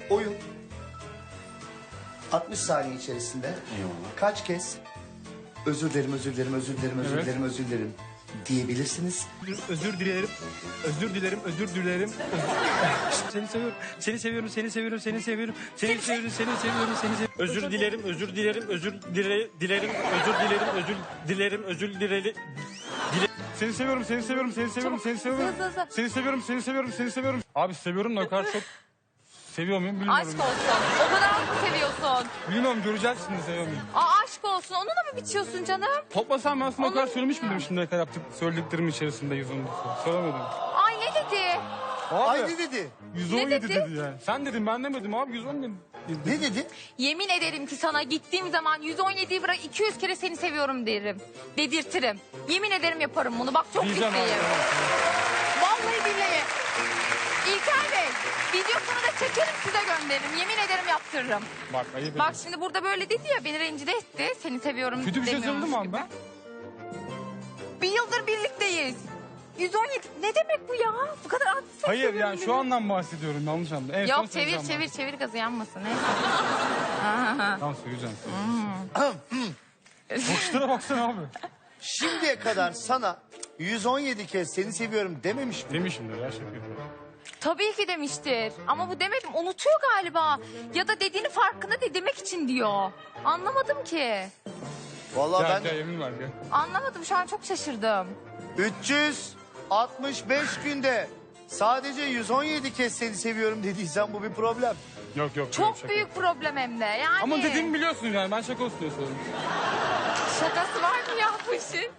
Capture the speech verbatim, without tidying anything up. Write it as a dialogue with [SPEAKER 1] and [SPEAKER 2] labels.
[SPEAKER 1] oyun. altmış saniye içerisinde
[SPEAKER 2] Eyvallah.
[SPEAKER 1] kaç kez özür dilerim, özür dilerim, özür dilerim, özür
[SPEAKER 3] Evet.
[SPEAKER 1] dilerim, özür dilerim diyebilirsiniz.
[SPEAKER 3] Özür dilerim. Özür dilerim. Özür dilerim. Seni seviyorum. Seni seviyorum. Seni seviyorum. Seni seviyorum. Seni seviyorum. Seni seviyorum. Seni seviyorum. Özür dilerim. Özür dilerim. Özür dile, dilerim. Özür dilerim. Özür dilerim. Özür dilerim. Dile. Seni seviyorum. Seni seviyorum. Seni seviyorum. Seni seviyorum.
[SPEAKER 4] Hızlı, hızlı.
[SPEAKER 3] Seni seviyorum. Seni seviyorum. Seni seviyorum. Abi seviyorum da o kadar çok seviyor muyum bilmiyorum.
[SPEAKER 4] Aşk olsun. O kadar mı seviyorsun?
[SPEAKER 3] Bilmiyorum, göreceğiz şimdi seviyor muyum.
[SPEAKER 4] Aa, aşk olsun. Onunla mı bitiyorsun canım?
[SPEAKER 3] Toplasam ben aslında o kadar
[SPEAKER 4] Onu-
[SPEAKER 3] söylemiş miydim şimdiye kadar yaptık söylediklerim içerisinde yüz on bir söylemedim.
[SPEAKER 4] Ay ne dedi?
[SPEAKER 3] Abi
[SPEAKER 1] Ay ne dedi?
[SPEAKER 3] yüz on yedi
[SPEAKER 4] Ne dedi?
[SPEAKER 3] dedi yani. Sen dedin ben demedim abi yüz on dedi.
[SPEAKER 1] Ne dedi?
[SPEAKER 4] Yemin ederim ki sana gittiğim zaman yüz on yediyi bırak iki yüz kere seni seviyorum derim. Dedirtirim. Yemin ederim yaparım bunu. Bak çok
[SPEAKER 3] Diyeceğim abi.
[SPEAKER 4] ciddiyim. Vallahi billahi. İlker Bey, videosunu da çekerim size gönderirim. Yemin ederim yaptırırım.
[SPEAKER 3] Bak ayıp
[SPEAKER 4] Bak
[SPEAKER 3] ettin.
[SPEAKER 4] şimdi burada böyle dedi ya, beni rencide etti. Seni seviyorum
[SPEAKER 3] Kötü bir şey
[SPEAKER 4] demiyormuş
[SPEAKER 3] söyledim abi
[SPEAKER 4] gibi.
[SPEAKER 3] ben.
[SPEAKER 4] Bir yıldır birlikteyiz. yüz on yedi ne demek bu ya? Bu kadar adlı seni
[SPEAKER 3] Hayır
[SPEAKER 4] seviyorum
[SPEAKER 3] yani şu
[SPEAKER 4] dedi.
[SPEAKER 3] andan bahsediyorum yanlış anladım. En son
[SPEAKER 4] Yok çevir
[SPEAKER 3] söyleyeceğim
[SPEAKER 4] çevir
[SPEAKER 3] ben.
[SPEAKER 4] çevir gazı yanmasın. Neyse.
[SPEAKER 3] Tamam söyleyeceğim. Boşlara baksana abi.
[SPEAKER 1] Şimdiye kadar sana yüz on yedi kez seni seviyorum dememiş mi?
[SPEAKER 3] Demişimdir ya şaka yapıyorum.
[SPEAKER 4] Tabii ki demiştir. Ama bu demedim. Unutuyor galiba. Ya da dediğini farkında değil demek için diyor. Anlamadım ki.
[SPEAKER 1] Vallahi
[SPEAKER 3] Gel
[SPEAKER 1] ben
[SPEAKER 3] gel yemin var gel.
[SPEAKER 4] Anlamadım. Şu an çok şaşırdım.
[SPEAKER 1] üç yüz altmış beş günde sadece yüz on yedi kez seni seviyorum dediysen bu bir problem.
[SPEAKER 3] Yok yok.
[SPEAKER 4] Çok
[SPEAKER 3] şaka.
[SPEAKER 4] büyük problem hem de. Yani
[SPEAKER 3] Ama dediğimi biliyorsun yani ben şaka olsun diye söyledim.
[SPEAKER 4] şakası var mı ya bu işin?